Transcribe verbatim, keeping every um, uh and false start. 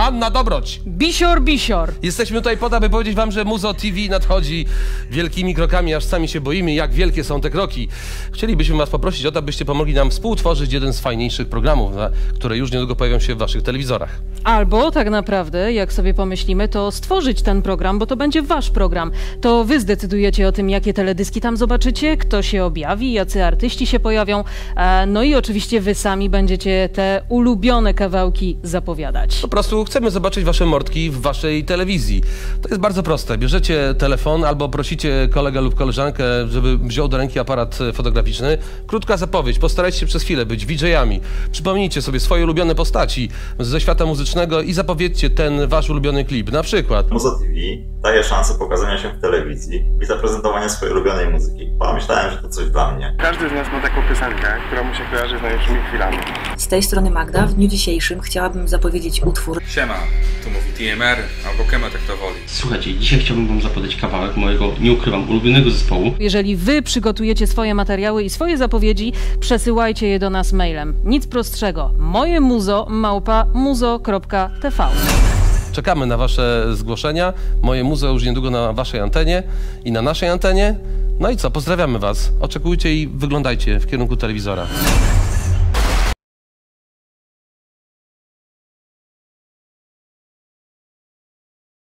Anna Dobroć. Bisior, bisior. Jesteśmy tutaj po to, aby powiedzieć wam, że Muzo T V nadchodzi wielkimi krokami, aż sami się boimy, jak wielkie są te kroki. Chcielibyśmy was poprosić o to, abyście pomogli nam współtworzyć jeden z fajniejszych programów, które już niedługo pojawią się w waszych telewizorach. Albo tak naprawdę, jak sobie pomyślimy, to stworzyć ten program, bo to będzie wasz program. To wy zdecydujecie o tym, jakie teledyski tam zobaczycie, kto się objawi, jacy artyści się pojawią. No i oczywiście wy sami będziecie te ulubione kawałki zapowiadać. Po prostu chcemy zobaczyć wasze mordki w waszej telewizji. To jest bardzo proste. Bierzecie telefon albo prosicie kolegę lub koleżankę, żeby wziął do ręki aparat fotograficzny. Krótka zapowiedź. Postarajcie się przez chwilę być V J-ami. Przypomnijcie sobie swoje ulubione postaci ze świata muzycznego i zapowiedzcie ten wasz ulubiony klip. Na przykład Muzo T V daje szansę pokazania się w telewizji i zaprezentowania swojej ulubionej muzyki. Pomyślałem, że to coś dla mnie. Każdy z nas ma taką piosenkę, która mu się kojarzy z najlepszymi chwilami. Z tej strony Magda. W dniu dzisiejszym chciałabym zapowiedzieć utwór. Siema, tu mówi T M R albo Kemet, jak to woli. Słuchajcie, dzisiaj chciałbym wam zapowiedzieć kawałek mojego, nie ukrywam, ulubionego zespołu. Jeżeli wy przygotujecie swoje materiały i swoje zapowiedzi, przesyłajcie je do nas mailem. Nic prostszego. Moje muzo małpa muzo kropka t v. Czekamy na wasze zgłoszenia. Moje muzo już niedługo na waszej antenie i na naszej antenie. No i co, pozdrawiamy was. Oczekujcie i wyglądajcie w kierunku telewizora.